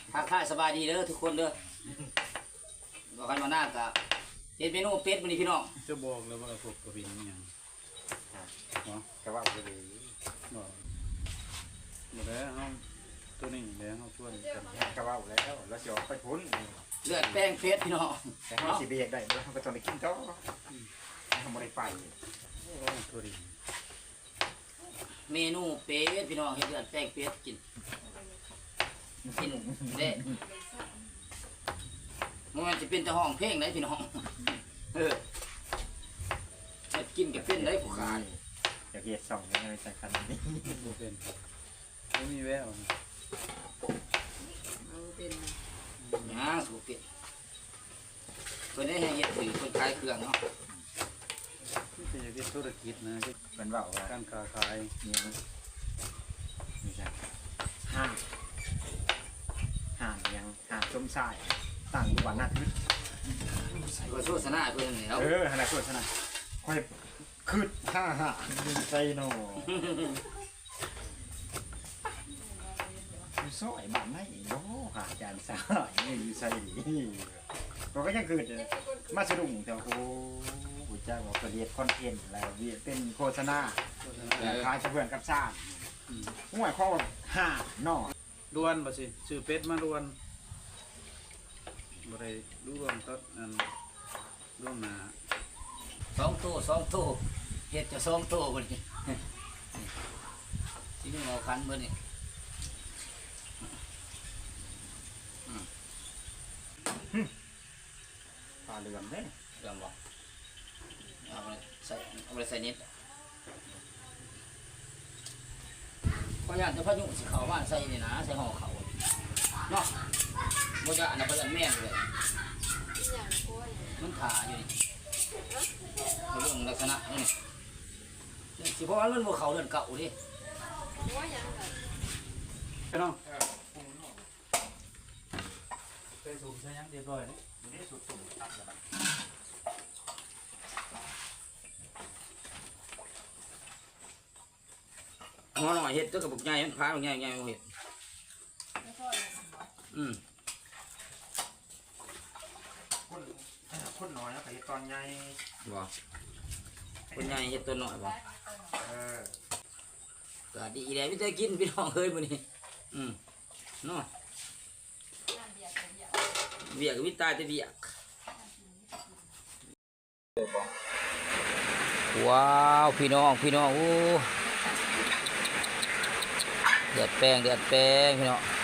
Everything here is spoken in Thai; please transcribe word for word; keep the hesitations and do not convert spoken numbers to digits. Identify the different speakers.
Speaker 1: ทักทายสบายดีเด้อทุกคนเด้อบอกกันมาหน้ากะเฮ็ดเมนูเป็ดมื้อนี้พี่น้อง
Speaker 2: จะบอกเลยว่าพวกกระดิ่งอย่างเนาะ
Speaker 3: กระว่าจะดี
Speaker 2: บอกมาแล้วเขาตัวนี้แล้วเขาชวนกัน
Speaker 3: กระว่าแล้วแล้วจะไปพ้น
Speaker 1: เลือดแป้งเป็ดพี่น้อง
Speaker 3: แต่เขาสิเบียกได้เขาก็ต้องไปกินต่อเขาไม่ได้ไป
Speaker 2: กระดิ่ง
Speaker 1: เมนูเป็ดพี่น้องเฮ็ดเลือดแป้งเป็ดกินกินเด้มันจะเป็นแต่ห้องเพลงได้พี่น้องเออเฮ็ดกินกับเป็นได้ผู้ขาย
Speaker 3: อยากเกียดสองยังไงสักคันนี้
Speaker 2: บ่เป็นไม่มีแวว
Speaker 1: ย่างสูบเป็ดเพิ่นได้ให้เฮ็ดถือเพิ่นขายเครื่องเนาะ
Speaker 2: ที่จะเป็นธุรกิจนะ
Speaker 3: มันว่าว่า
Speaker 2: การค้าขาย
Speaker 3: นี่มันนี่ใช่ห้างห้างยังห้างส้มสายตั้งอยู่บ้านหน้าทึบ
Speaker 1: ก็โฆษณาเพิ่นแล้ว
Speaker 3: เอออะไรส่วนขนาดค่อยคืดห้าห้าดึงใจโน่อยู่ซอยบ้านไหนโน่หาจานสายนี่อยู่ใส่ดีเราก็ยังคืดมาสะดุ้งแต่โอ้โหจ้าบอกเรียนคอนเทนต์อะไรเรียนเป็นโฆษณาขายเพื่อนกับชาติห่วยข้อห้าน่อ
Speaker 2: ล้วนบ่สิซื้อเป็ดมาล้วนบ่ได้รู้รวมตัดอันร่วมหนา
Speaker 1: สองโต๊ะสองโต๊ะเฮ็ดจะสองโต๊ะบ่นี่สิเอาคันเบิดนี่
Speaker 3: ปลาเรือนเด้
Speaker 1: เรื่องบ่เอาไปใส่เอาไปใส่นิดก็อยากจะพายุสิเข้าบ้านใส่นี่นะใส่ห่อเขาเนาะบ่จะอันนั้นบ่จะแม่นเลยมันถ่าอยู่นี่เรื่องลักษณะนี่สิเพราะว่ามันบ่เข้าเรือนเก่าดิ
Speaker 2: ไปน้องไปสูบใช้ยังเรียบร้อยเลย
Speaker 3: นี่สุดสุดตัดแล้ว
Speaker 1: หมอหน่อยเฮ็ดตัวกับบุกใหญ่มันพาบุกใหญ่ใหญ่บ่เฮ็ดอืม
Speaker 3: คนคนน้อยแล้วไปตอนใหญ่
Speaker 1: บ่คนใหญ่เฮ็ดตัวน้อยบ่
Speaker 3: เออ
Speaker 1: ก็ดีแหละมีแต่กินพี่น้องเอ้ยมื้อนี้อืมเนาะเวียกวิตายแต่เวียกว้าวพี่น้องพี่น้องโอ้เดือดแป้งเดือดแป้งพี่น้อง